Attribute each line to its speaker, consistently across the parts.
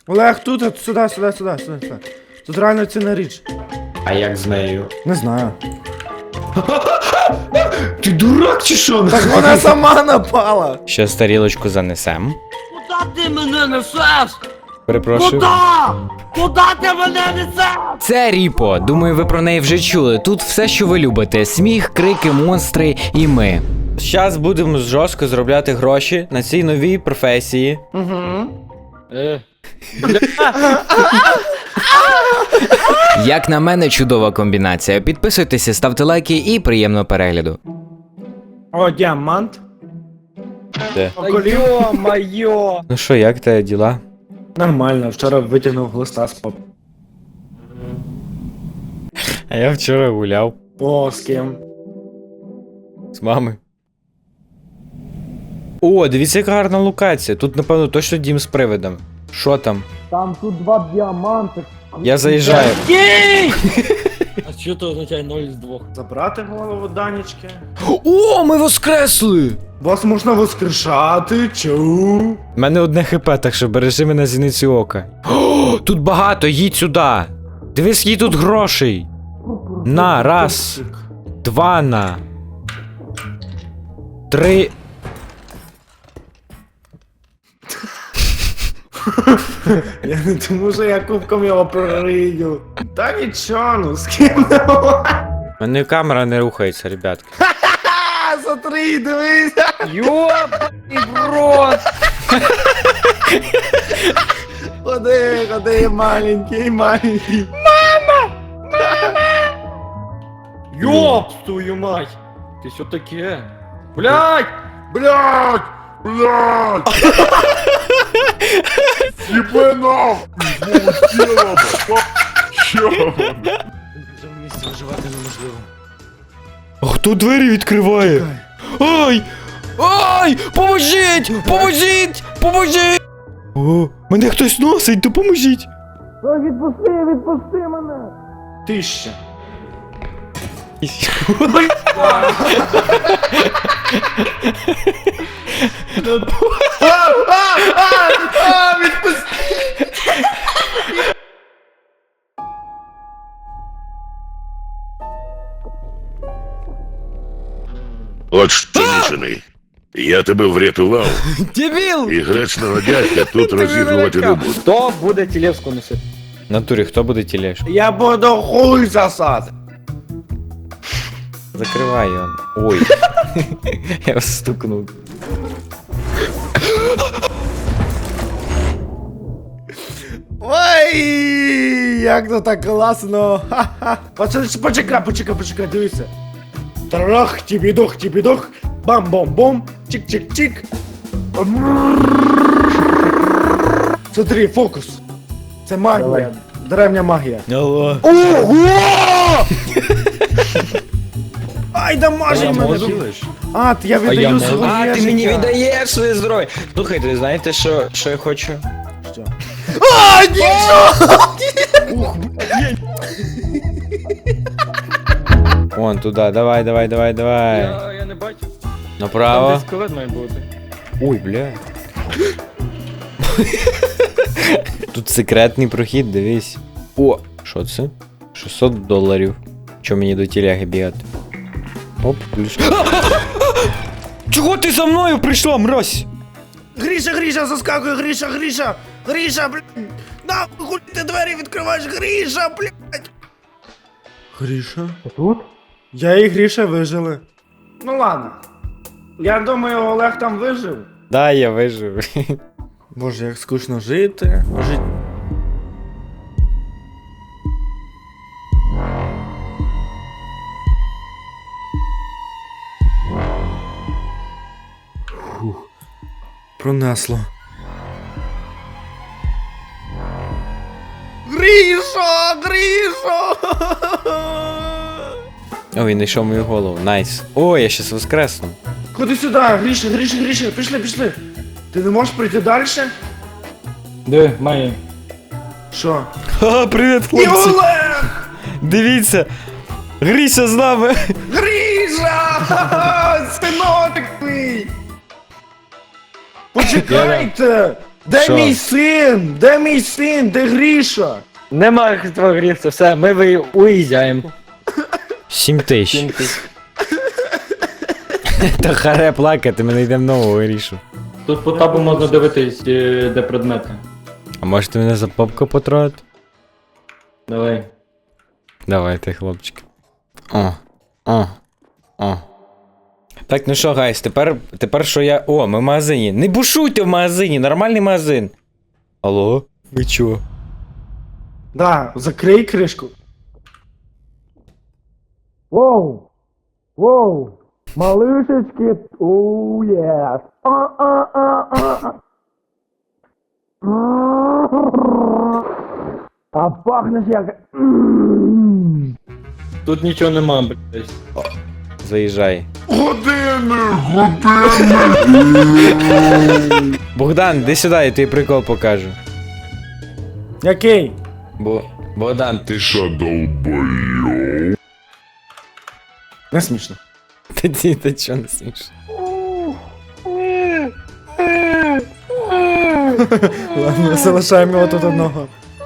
Speaker 1: Олег, тут, сюди. Тут реально цінна річ.
Speaker 2: А як з нею?
Speaker 1: Не знаю.
Speaker 2: Ти дурак чи що?
Speaker 1: Так вона сама напала.
Speaker 3: Щас тарілочку занесем.
Speaker 4: Куда ти мене несеш?
Speaker 3: Перепрошую.
Speaker 4: Куда? Куда ти мене несеш?
Speaker 3: Це Ріпо. Думаю, ви про неї вже чули. Тут все, що ви любите: сміх, крики, монстри і ми. Зараз будемо жорстко заробляти гроші на цій новій професії. Як на мене, чудова комбінація. Підписуйтеся, ставте лайки і приємного перегляду.
Speaker 1: О, діамант.
Speaker 3: Де?
Speaker 1: Йо-моє.
Speaker 3: Ну що, як тебе діла?
Speaker 1: Нормально, вчора витягнув глиста з поп.
Speaker 3: А я вчора гуляв
Speaker 1: О, з ким?
Speaker 3: з мамою. О, дивіться, яка гарна локація. Тут, напевно, точно дім з привидом. Що там?
Speaker 1: Там тут 2 діаманти.
Speaker 3: Я заїжджаю.
Speaker 4: Єй! А що це означає 0 з 2?
Speaker 1: Забрати голову Данечки.
Speaker 3: О, ми воскресли!
Speaker 1: Вас можна воскрешати, чу.
Speaker 3: У мене одне хп, так що бережи мене зіницю ока. О, тут багато, їдь сюди. Дивись, їй тут грошей. На, раз, 2 на. 3.
Speaker 1: Я не думаю, що я кубком його прорию. Та нічого, ну з ким?
Speaker 3: У мене камера не рухається, ребятки.
Speaker 1: А, смотри, дивись.
Speaker 4: Йобаний в рот!
Speaker 1: Ходи, маленький.
Speaker 4: Йоп, твою мать! Ти що таке? Блядь!
Speaker 5: Блядь! Ебе нахуй! Полетела, Чё?
Speaker 1: Вже в місті виживати неможливо.
Speaker 3: А хто двері відкриває? Ай! Ай! Поможіть! Поможіть! Поможіть! О, мене хтось носить, допоможіть!
Speaker 1: Відпусти мене. 1000.
Speaker 5: От що, мішаний. Я тебе врятував,
Speaker 3: Дебіл!
Speaker 5: і гречного дядька тут розігрувати не буду.
Speaker 4: Хто буде тілевську носити?
Speaker 3: В натурі, хто буде тілеш?
Speaker 1: Я буду хуй засати.
Speaker 3: Закривай його. Ой. Я вас стукнув.
Speaker 1: Ой, як то так класно. Ха-ха. Почекай, дивися. Трах, тібідох, бам-бом-бом, чик-чик-чик. Смотри, фокус. Це магія. Древня магія.
Speaker 3: Алло.
Speaker 1: Ого! Ай, дамажить мене. А, я віддаю свого
Speaker 3: А, ти мені
Speaker 1: життя.
Speaker 3: віддаєш своє здоров'я. Слухайте, знаєте, що я хочу?
Speaker 1: Що? А, нічого!
Speaker 3: Вон туди, давай.
Speaker 4: Я не бачу.
Speaker 3: Направо.
Speaker 4: Там десь скелет має бути.
Speaker 3: Ой, бля. Тут секретний прохід, дивись. О, що це? $600. Чо мені до тіляги бігати? Оп, ключ. Чого ти за мною прийшла, мразь?
Speaker 1: Гріша, заскакує, Гріша, блядь! Нахуй ти двері відкриваєш, Гріша, блядь! Гріша?
Speaker 4: Тут?
Speaker 1: Я і Гріша вижили. Ну ладно. Я думаю, Олег там вижив.
Speaker 3: Да, я вижив.
Speaker 1: Боже, як скучно жити. Фух. Пронесло. Грішо!
Speaker 3: О, він знайшов мою голову, найс. О, я щас воскресну.
Speaker 1: Ходи сюди, Гріша, пішли. Ти не можеш прийти далі?
Speaker 4: Де, має.
Speaker 1: Що?
Speaker 3: Ха, привіт,
Speaker 1: І
Speaker 3: хлопці!
Speaker 1: Олег!
Speaker 3: Дивіться! Гріся з нами!
Speaker 1: Гріша! Ха-ха! Синотик твій! Почекайте! Де
Speaker 3: Що?
Speaker 1: мій син? Де мій син? Де Гріша?
Speaker 4: Немає твого гріфта, все, ми уїжджаємо.
Speaker 3: 7 тисяч. Та харе плакати, ми знайдемо нового рішу.
Speaker 4: Тут по табу можна дивитись, де предмети.
Speaker 3: А можете мене за попку потрогати?
Speaker 4: Давай.
Speaker 3: Давайте, хлопчики. О. Так, ну що, гайс, тепер що я. О, ми в магазині. Не бушуйте в магазині, нормальний магазин. Алло? Ви чо?
Speaker 1: Да, закрий кришку. Воу! Воу! Малышечки! Оу, єс! А пахнеш як...
Speaker 4: Тут нічого нема, блядь.
Speaker 3: Заїжджай.
Speaker 5: Години!
Speaker 3: Богдан, іди сюди, я тобі прикол покажу.
Speaker 1: Який?
Speaker 3: Богдан,
Speaker 5: Ти що, долбойов?
Speaker 1: Не смішно.
Speaker 3: та чого не смішно?
Speaker 1: Ладно, залишаємо його тут одного.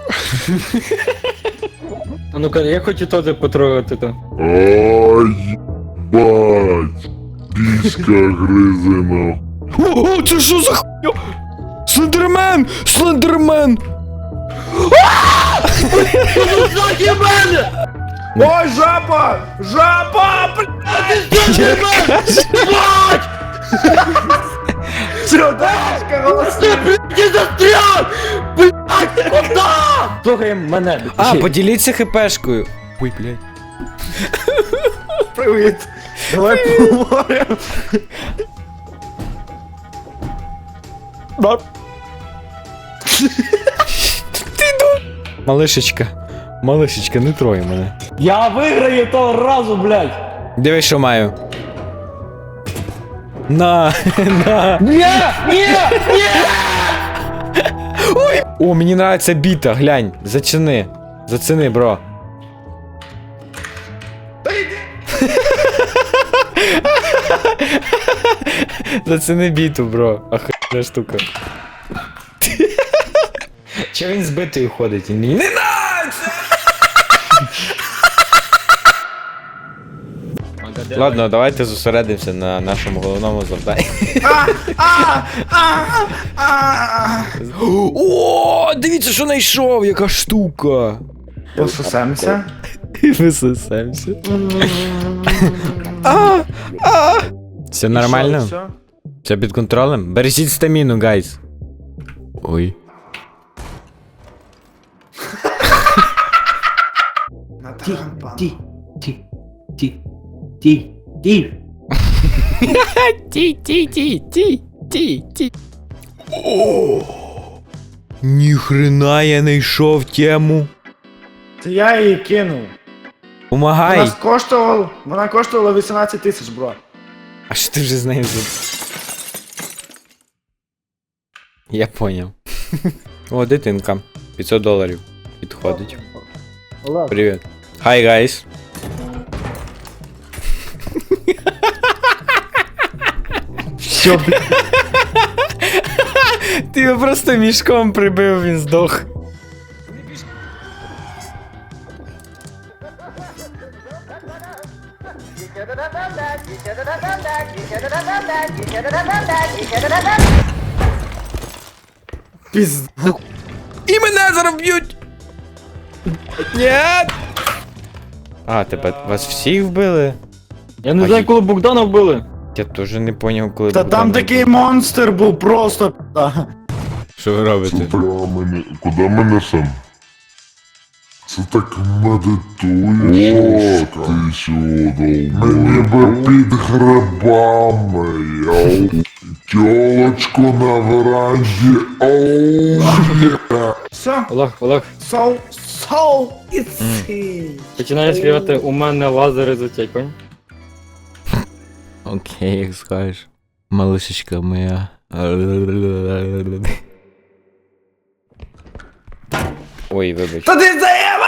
Speaker 4: А ну-ка, я хочу теж потрогати то.
Speaker 5: Ай, бать! Піська гризина.
Speaker 3: О, це що за хуйня? Слендермен! Слендермен!
Speaker 4: Ззаді мене!
Speaker 1: Ой, жаба! Жаба! Чудачка, голоси!
Speaker 4: Ти застряв! Блядь, куди? Слухай мене.
Speaker 3: А, поділіться хпшкою. Ой, блядь.
Speaker 1: Привіт! Давай поговоримо.
Speaker 3: Малишечка, не трой мене.
Speaker 4: Я виграю того разу, блядь!
Speaker 3: Дивись, що маю. На.
Speaker 4: Ні!
Speaker 3: О, мені нравиться біта, глянь. Зацени, бро. Зацени біту, бро. Охуєнна штука. Че він збитий ходить? Він мені не нравиться! Ладно, давайте зосередимося на нашому головному завданні. О, дивіться, що знайшов, яка штука.
Speaker 1: Пососемся.
Speaker 3: Висосемся. Все нормально?
Speaker 1: Все?
Speaker 3: Все під контролем? Бережіть стаміну, гайз. Ой. Ніхрена я знайшов тему.
Speaker 1: Це я її кинув.
Speaker 3: Помагай.
Speaker 1: Вона коштувала 18 тисяч, бро.
Speaker 3: А що ти вже з нею зробив? Я поняв. О, дитинка. $500. Підходить.
Speaker 1: Олег.
Speaker 3: Привіт. Hi, guys.
Speaker 1: Що, блядь?
Speaker 3: Ти його просто мішком прибив, він здох.
Speaker 1: Пізд...
Speaker 3: І мене зараз б'ють! Нет! А, тебе вас всіх вбили?
Speaker 4: Я не знаю, коли Богдана вбили.
Speaker 3: Я теж не поняв, коли
Speaker 1: Та
Speaker 3: Богдан
Speaker 1: там
Speaker 3: вбив.
Speaker 1: такий монстр був просто пізда.
Speaker 3: Що ви робите?
Speaker 5: Куди ми несем? Це так медитуєш. О, ти сюди. Мені би під грибами, йоу. Тілочку на веранді, оу, є.
Speaker 1: Все,
Speaker 4: Олег,
Speaker 1: so easy.
Speaker 4: починає співати «У мене лазери затікають».
Speaker 3: Окей, як скажеш. Малишечка моя. Ой, вибач.
Speaker 1: Та ти заєба!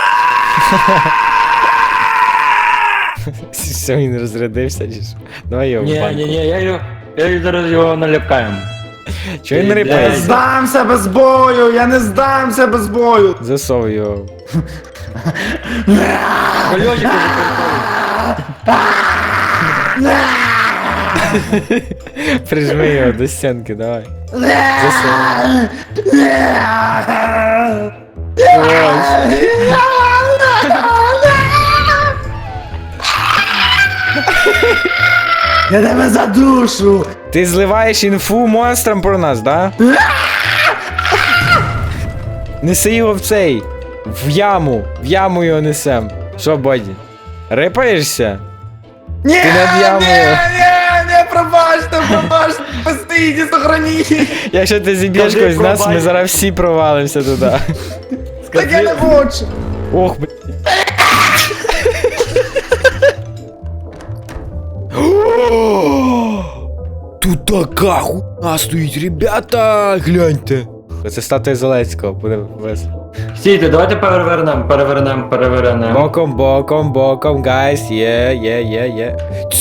Speaker 3: Все, він розрядився, чи що? Давай його в банку.
Speaker 4: Ні, я зараз його налякаємо.
Speaker 3: Чого він
Speaker 1: Я не
Speaker 3: рипається?
Speaker 1: здамся без бою, я не здамся без бою.
Speaker 3: Засов його.
Speaker 4: Кольочок
Speaker 3: Прижми його до стінки, давай. Засов.
Speaker 1: Я тебе задушу.
Speaker 3: Ти зливаєш інфу монстрам про нас, да? Неси його в цей. В яму його несем. Що, Боді? Рипаєшся?
Speaker 1: Ні,
Speaker 3: Ти над ямою.
Speaker 1: не, пробачте, постійте, сохраніть.
Speaker 3: Якщо ти зіб'єш
Speaker 4: Скажи,
Speaker 3: когось з нас, ми
Speaker 4: пробач.
Speaker 3: зараз всі провалимося туди.
Speaker 1: Так я не хочу.
Speaker 3: Ох, блядь. Тут така хуйня стоїть, ребята, гляньте. Це статуя Зеленського, буде весело.
Speaker 4: Стійте, давайте перевернемо.
Speaker 3: Боком, гайс, є.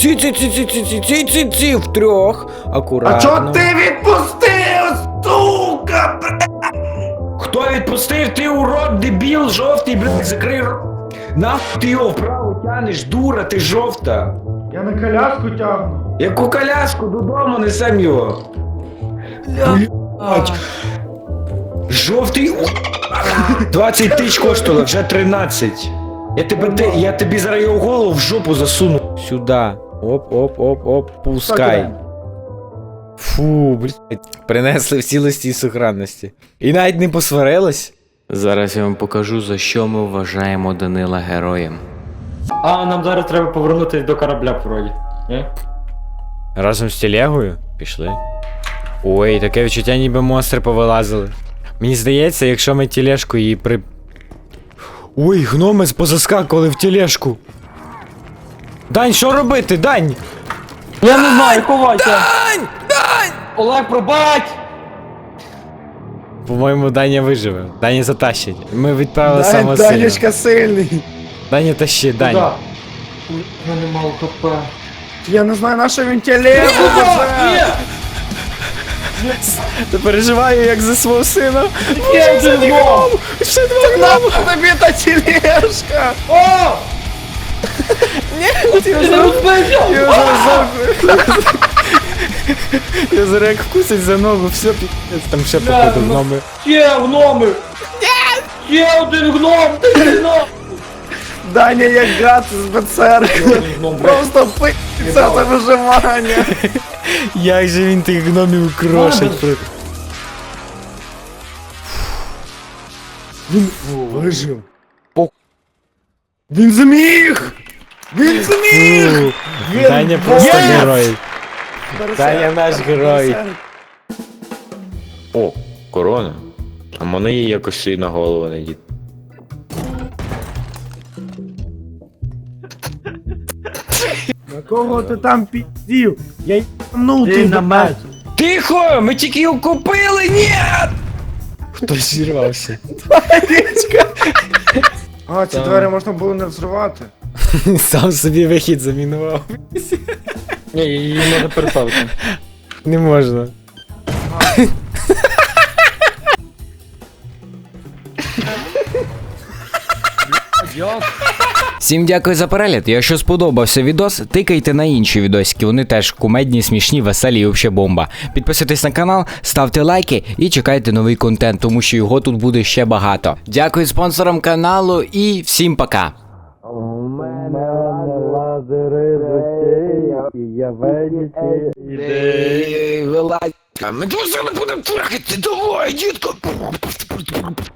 Speaker 3: Ці, втрьох, акуратно.
Speaker 1: А чого ти відпустив, сука,
Speaker 2: Хто відпустив? Ти урод, дебіл, жовтий, блядь, закрий рот. Нахуй ти його вправо тянеш, дура, ти жовта.
Speaker 1: Я на коляску тягну.
Speaker 2: Яку коляску, додому несем його. Блядь. Жовтий. 20 тисяч коштувало, вже 13. Я тобі зараз його голову в жопу засуну.
Speaker 3: Сюда. Оп, пускай. Фу, блядь. Принесли в цілості і сохранності. І навіть не посварились. Зараз я вам покажу, за що ми вважаємо Данила героєм.
Speaker 4: А, нам зараз треба повернутися до корабля, вроді. Ні?
Speaker 3: Разом з телегою? Пішли. Ой, таке відчуття, ніби монстри повилазили. Мені здається, якщо ми тележку її при... Ой, гноми позаскакували в тележку. Дань, що робити, Дань?
Speaker 4: Я не знаю, ховайся! Дань! Олег, пробач!
Speaker 3: По-моєму, Даня виживе. Даня затащить. Ми відправили самого сильного.
Speaker 1: Данечка сильний.
Speaker 3: Даня тащи, Дань.
Speaker 4: Куда? Я не мав ХП.
Speaker 1: Я не знаю, на що він телегу везе.
Speaker 3: Ти переживаю, як за свого сина.
Speaker 4: Є один гном!
Speaker 3: Ще два
Speaker 1: Нахуй тобі та тележка.
Speaker 4: О! Ти не розбився!
Speaker 3: Я зараз як вкусить за ногу, все пі***ць, там ще походу гноми.
Speaker 4: Ще гноми! Ще один гном! Ти не гном!
Speaker 1: Даня як гад з бецеркою. Просто пи***ться за виживання.
Speaker 3: Як же він тих гномів крошить.
Speaker 1: Він вижив. Він зміг! Він зміг!
Speaker 3: Фу,
Speaker 1: Він
Speaker 3: Даня просто
Speaker 1: бог!
Speaker 3: герой. Даня наш герой.
Speaker 2: О, корона. А мене її якось і на голову не дід.
Speaker 1: На кого ти там піздів? Я їбанув ти
Speaker 4: на меч!
Speaker 2: Тихо! Ми тільки його купили, ні!
Speaker 3: Хтось зірвався.
Speaker 1: А, ці двері можна було не взривати.
Speaker 3: Сам собі вихід замінував.
Speaker 4: Ні, її можна переставити.
Speaker 3: Не можна. Всім дякую за перегляд. Якщо сподобався відос, тикайте на інші відосики. Вони теж кумедні, смішні, веселі і взагалі бомба. Підписуйтесь на канал, ставте лайки і чекайте новий контент, тому що його тут буде ще багато. Дякую спонсорам каналу і всім пока. У мене лазери я
Speaker 2: Ми дуже не будемо трахати, давай, дітко!